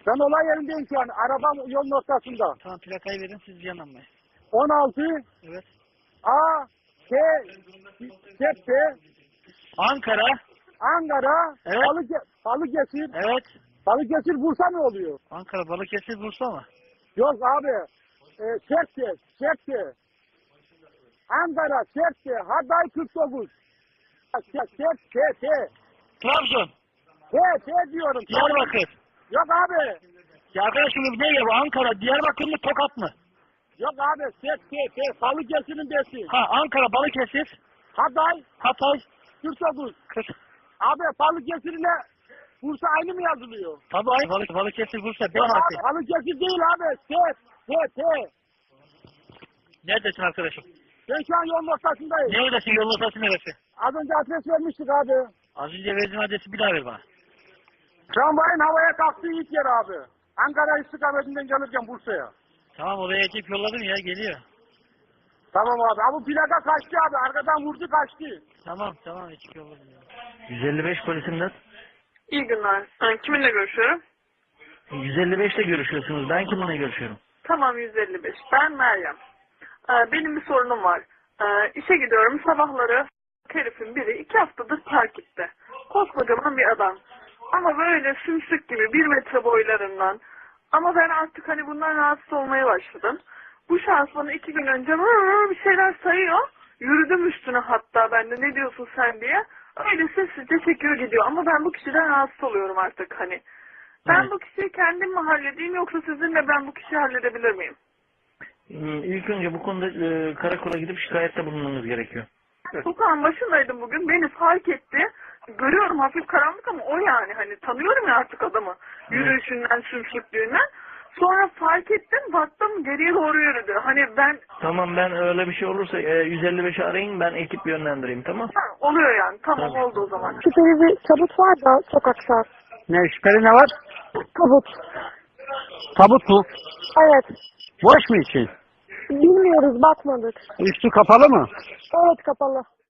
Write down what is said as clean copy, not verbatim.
Ben olay yerindeyim şu an. Arabam yolun ortasında. Tamam, plakayı verin, siz yanılmayın. 16 Evet. A K Tepe Ankara. Ankara Evet. Balıkesir. Evet. Balıkesir Bursa ne oluyor? Ankara, Balıkesir, Bursa mı? Yok abi. Sertçe. Ankara, Sertçe, Hatay 49. T. Trabzon. T diyorum. Diyarbakır. Yok abi. Ya arkadaşım ne ya bu? Ankara, Diyarbakır mı, Tokat mı? Yok abi. T. Balıkesir'in D'si. Ha, Ankara, Balıkesir, Hatay Hatay, 49. 40. Abi Balıkesir ile Bursa aynı mı yazılıyor? Tabii aynı. Balıkesir, Bursa, B Yok harfi. abi, Balıkesir değil abi. T. Neredesin arkadaşım? Ben şu an yolun ortasındayım. Neredesin, yolun ortası neresi? Az önce adres vermiştik abi. Az önce verdiğin adresi bir daha ver bana. Tramvayın havaya kalktığı ilk yer abi. Ankara istikametinden gelirken Bursa'ya. Tamam, oraya ekip yolladım ya, geliyor. Tamam abi. Ama plaka kaçtı abi. Arkadan vurdu kaçtı. Tamam, ekip yolladım ya. 155 polisimden. İyi günler. Kiminle görüşüyorum? 155 ile görüşüyorsunuz. Ben kiminle görüşüyorum? Tamam 155. Ben Meryem. Benim bir sorunum var. İşe gidiyorum. Sabahları herifin biri 2 haftadır takipte. Koskocaman bir adam. Ama böyle sümsük gibi 1 metre boylarından. Ama ben artık hani bundan rahatsız olmaya başladım. Bu şahıs bana 2 gün önce bir şeyler sayıyor. Yürüdüm üstüne hatta ben de ne diyorsun sen diye. Öyle sessizce çekiyor gidiyor. Ama ben bu kişiden rahatsız oluyorum artık hani. Ben Evet. bu kişiyi kendim mi halledeyim yoksa sizinle ben bu kişiyi halledebilir miyim? İlk önce bu konuda karakola gidip şikayette bulunmanız gerekiyor. Sokağın başındaydım bugün. Beni fark etti. Görüyorum hafif karanlık ama o yani. Hani tanıyorum ya artık adamı. Yürüyüşünden, sümsüklüğünden. Sonra fark ettim. Baktım geriye doğru yürüdü. Hani ben... Tamam, ben öyle bir şey olursa 155'i arayın, ben ekip yönlendireyim, tamam? Ha, oluyor yani. Tamam Tabii. oldu o zaman. Şüpheli bir tabut var da sokakta. Ne şüpheli ne var? Tabut. Tabut mu? Evet. Boş mu için? Bilmiyoruz, bakmadık. Üstü kapalı mı? Evet, kapalı.